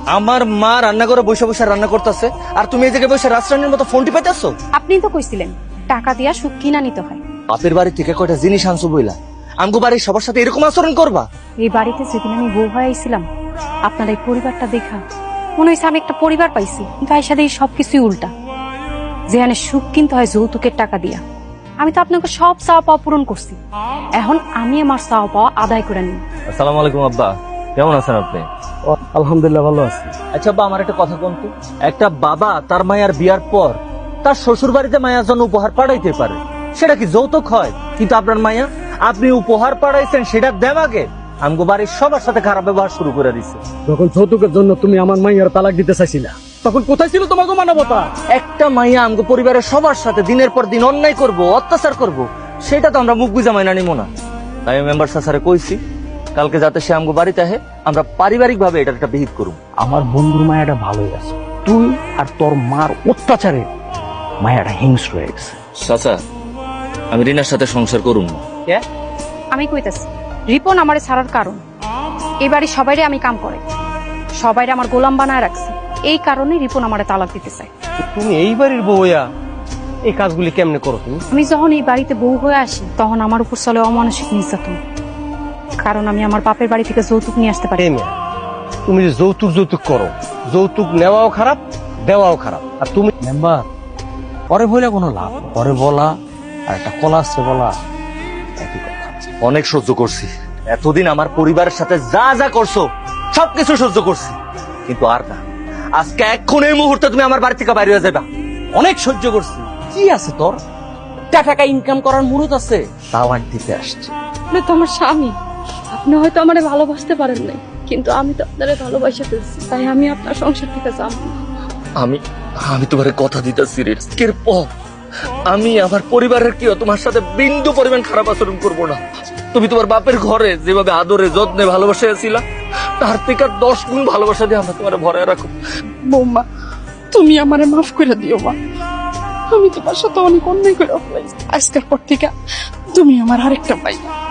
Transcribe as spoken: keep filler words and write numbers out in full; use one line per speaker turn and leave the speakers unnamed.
আমার মা রান্না করে বসে বসে রান্না করতেছে আর তুমি এই জায়গায় বসে রাজরানীর মতো ফোন টিপাইতেছো।
আপনি তো কইছিলেন টাকা দিয়া সুখ কিনা নিতে হয়।
বাপের বাড়ি থেকে কয়টা জিনিস আনছো বইলা আমগো বাড়ির সবার সাথে এরকম আচরণ করবা?
এই বাড়িতে যেদিন আমি বউ হয়ে আইছিলাম আপনার এই পরিবারটা দেখা মনে হয়েছে আমি একটা পরিবার পাইছি, কিন্তু এর সাথে এই সবকিছুই উল্টা। যেখানে সুখ কিনতে হয় যৌতুকের টাকা দিয়া, আমি তো আপনাকে সব চাওয়া পাওয়া পূরণ করছি। এখন আমি আমার চাওয়া পাওয়া আদায় করে নিই।
আসসালামু আলাইকুম আব্বা, কেমন আছেন আপনি?
আলহামদুলিল্লাহ ভালো আছি।
আচ্ছা আব্বা, আমার একটা কথা কোন তো, একটা বাবা তার মায়ের বিয়ার পর তার শ্বশুর বাড়িতে মায়ের জন্য উপহার পাঠাইতে পারে, সেটা কি যৌতুক হয়? কিন্তু আপনার মায়া, আপনি উপহার পাঠাইছেন সেটা দেমাগে আমগো বাড়ির সবার সাথে খারাপ ব্যবহার শুরু করে দিচ্ছে।
যখন যৌতুকের জন্য তুমি আমার মাইয়ার তালাক দিতে চাইছিলা, তখন কোথায় ছিল তোমাকে মানবতা?
একটা মাইয়া আমগো পরিবারের সবার সাথে দিনের পর দিন অন্যায় করব, অত্যাচার করব, সেটা তো আমরা মুখ বুঝা মাইনা নিব না। তাই আমি মেম্বার স্যারে কইছি কালকে যাতে সে আমগো বাড়িতে আহে, আমরা পারিবারিক ভাবে এটা একটা বিহিত করব।
আমার বন্ধুর মায়াটা ভালোই আছে, তুই আর তোর মার অত্যাচারে মায়াটা হিংস্র হয়ে গেছে।
চাচা, আমি রিনার সাথে সংসার করুম না।
আমি কইতাছি রিপন আমারে ছাড়ার কারণ, এই বাড়ি সবাইরে আমি কাম করে সবাইরে আমার গোলাম বানায় রাখছি, এই কারণে রিপন আমারে তালাক দিতে চায়।
তুমি এই বাড়ির বউয়া এই কাজগুলি কেমনে করো তুমি?
আমি যখন এই বাড়িতে বউ হয়ে আসি তখন আমার উপর চলে অমানসিক নির্যাতন, কারণ আমি আমার বাপের বাড়ি থেকে যৌতুক নিয়ে আসতে পারি।
এই মেয়ে, তুমি যে যৌতুক যৌতুক করো, যৌতুক নেওয়াও খারাপ, দেওয়াও খারাপ। আর তুমি মেম্বার, পরে বলে কোনো লাভ, পরে বলা আর একটা কলা আসছে বলা একই কথা।
অনেক সহ্য করছি এতদিন, আমার পরিবারের সাথে যা যা করছো সবকিছু সহ্য করছি, কিন্তু আর না। আজকে এখন এই মুহূর্তে তুমি আমার বাড়ি থেকে বাইরে হয়ে যাবা।
অনেক সহ্য করছি, কি আছে তোর? টাকা ইনকাম করার মুরত আছে, তাও আর দিতে আসছে।
আপনি তো আমার স্বামী, আপনি হয়তো আমারে ভালোবাসতে পারেন নাই, কিন্তু আমি তো আপনারে ভালোবাসা ফেলছি, তাই আমি আপনার সংসার থেকে যাব।
আমি আমি তোমার কথা দিতেছি রে, আজকের পর আমি আমার পরিবারের কেউ তোমার সাথে বিন্দু পরিমাণ খারাপ আচরণ করবো না। তুমি তোমার বাপের ঘরে যেভাবে আদরে যত্নে ভালোবাসা ছিলা, তার থেকে দশ গুণ ভালোবাসা দিয়ে আমরা তোমার ভরে রাখো।
বৌমা, তুমি আমারে মাফ করে দিও মা, আমি তোমার সাথে অনেক অন্যায় করে ফেলেছি। আজকের পর থেকে তুমি আমার আরেকটা ভাই।